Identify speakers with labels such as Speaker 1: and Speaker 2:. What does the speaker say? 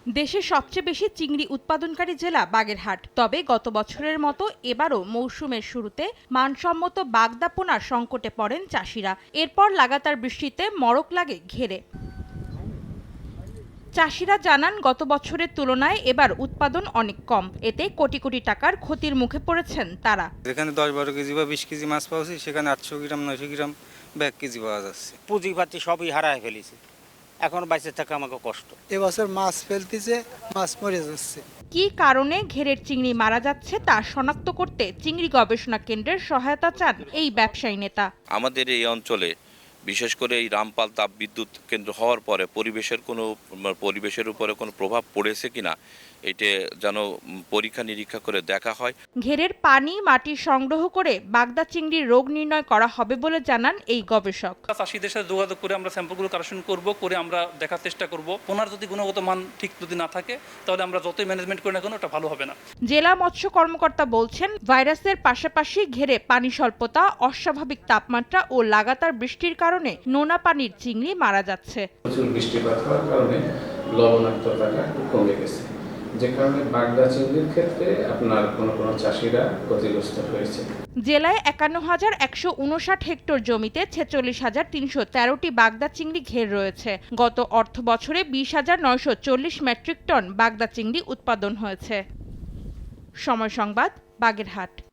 Speaker 1: দেশের সবচেয়ে বেশি চিংড়ি উৎপাদনকারী জেলা বাগেরহাট। তবে গত বছরের মতো এবারও মৌসুমের শুরুতে মানসম্মত বাগদা পোনার সংকটে পড়েন চাষিরা। এরপর লাগাতার বৃষ্টিতে মড়ক লাগে ঘেরে। চাষিরা জানান, গত বছরের তুলনায় এবার উৎপাদন অনেক কম। এতে কোটি কোটি টাকার ক্ষতির মুখে পড়েছেন তারা।
Speaker 2: যেখানে 10-12 কেজি বা 20 কেজি মাছ পাওয়া যায়, সেখানে 800 গ্রাম 900 গ্রাম বা 1 কেজি পাওয়া যাচ্ছে।
Speaker 3: পুঁজিপাতি সবই হারায় ফেলেছে, এখন বাইসে থাকা আমাকে কষ্ট।
Speaker 4: এবছর মাছ ফেলতেছে, মাছ মরে যাচ্ছে।
Speaker 1: কি কারণে ঘেরের চিংড়ি মারা যাচ্ছে তা শনাক্ত করতে চিংড়ি গবেষণা কেন্দ্রের সহায়তা চান এই ব্যবসায়ী নেতা।
Speaker 5: আমাদের এই অঞ্চলে বিশেষ করে এই রামপাল তাপবিদ্যুৎ কেন্দ্র হওয়ার পরে পরিবেশের উপরে কোনো প্রভাব পড়েছে কিনা এটা যেন পরীক্ষা নিরীক্ষা করে দেখা হয়।
Speaker 1: ঘেরের পানি মাটি সংগ্রহ করে বাগদা চিংড়ির রোগ নির্ণয় করা হবে বলে জানান এই গবেষক।
Speaker 6: চাষিদের সাথে যোগাযোগ করে আমরা স্যাম্পলগুলো কালেকশন করে আমরা দেখার চেষ্টা করব। পোনার যদি গুণগত মান ঠিক যদি না থাকে, তাহলে আমরা যতই ম্যানেজমেন্ট করি না কেন ওটা ভালো হবে না।
Speaker 1: জেলা মৎস্য কর্মকর্তা বলছেন, ভাইরাসের পাশাপাশি ঘেরে পানি স্বল্পতা, অস্বাভাবিক তাপমাত্রা ও লাগাতার বৃষ্টির কারণে নোনা পানির চিংড়ি মারা যাচ্ছে।
Speaker 7: প্রচুর বৃষ্টিপাত হওয়ার কারণে লবণাক্ততাটা কমে গেছে, যে কারণে বাগদা চিংড়ির ক্ষেত্রে আপনার কোনো চাষিরা ক্ষতিগ্রস্ত হয়েছে।
Speaker 1: জেলায় 51,159 হেক্টর জমিতে 46,313টি বাগদা চিংড়ি ঘের রয়েছে। গত অর্থ বছরে 20,940 মেট্রিক টন বাগদা চিংড়ি উৎপাদন হয়েছে। সময় সংবাদ, বাগেরহাট।